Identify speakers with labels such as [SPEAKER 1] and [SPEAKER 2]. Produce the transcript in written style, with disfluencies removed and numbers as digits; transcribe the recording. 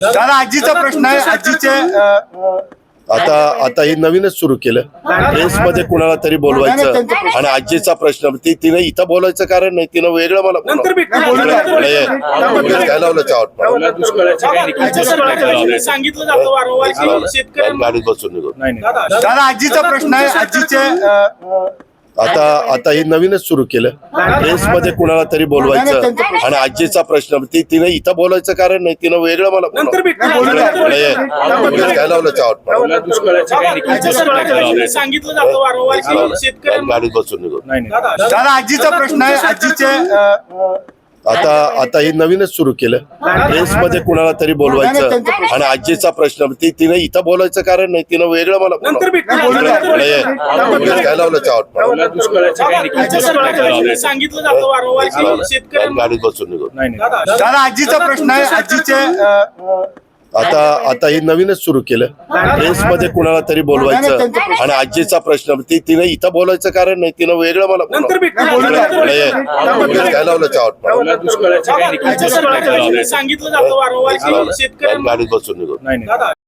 [SPEAKER 1] दादा आजीचा प्रश्न आहे. आजीचे
[SPEAKER 2] आता हे नवीनच सुरू केलं. प्रेसमध्ये कुणाला तरी बोलवायचं आणि आजीचा प्रश्न तिने इथं बोलायचं कारण नाही, तिनं वेगळं मला काय लावलं
[SPEAKER 3] सांगितलं जातं वारंवार की शेतकऱ्यांना
[SPEAKER 2] गाडीत बसून निघून.
[SPEAKER 1] दादा आजीचा प्रश्न आहे. आजीचे
[SPEAKER 2] आता हे नवीनच सुरू केलं. प्रेसमध्ये कुणाला तरी बोलवायचं आणि आजीचा प्रश्न तिने इथं बोलायचं कारण नाही, तिनं वेगळं मला काय लावलं
[SPEAKER 3] सांगितलं जातं वारंवार की शेतकऱ्यांना
[SPEAKER 2] गाडीत बसून निघून.
[SPEAKER 1] दादा आजीचा प्रश्न आहे. आजीचे
[SPEAKER 2] आता हे नवीनच सुरू केलं. प्रेसमध्ये कुणाला तरी बोलवायचं आणि आजीचा प्रश्न तिने इथं बोलायचं कारण नाही, तिनं वेगळं मला काय लावलं
[SPEAKER 3] सांगितलं जातं वारंवार की शेतकऱ्यांना
[SPEAKER 2] गाडीत बसून निघून.
[SPEAKER 1] दादा आजीचा प्रश्न आहे. आजीचे
[SPEAKER 2] आता हे नवीनच सुरू केलं. प्रेसमध्ये कुणाला तरी बोलवायचं आणि आजीचा प्रश्न तिने इथं बोलायचं कारण नाही, तिनं वेगळं मला काय लावलं
[SPEAKER 3] सांगितलं जातं वारंवार की शेतकऱ्यांना
[SPEAKER 2] गाडीत बसून निघून.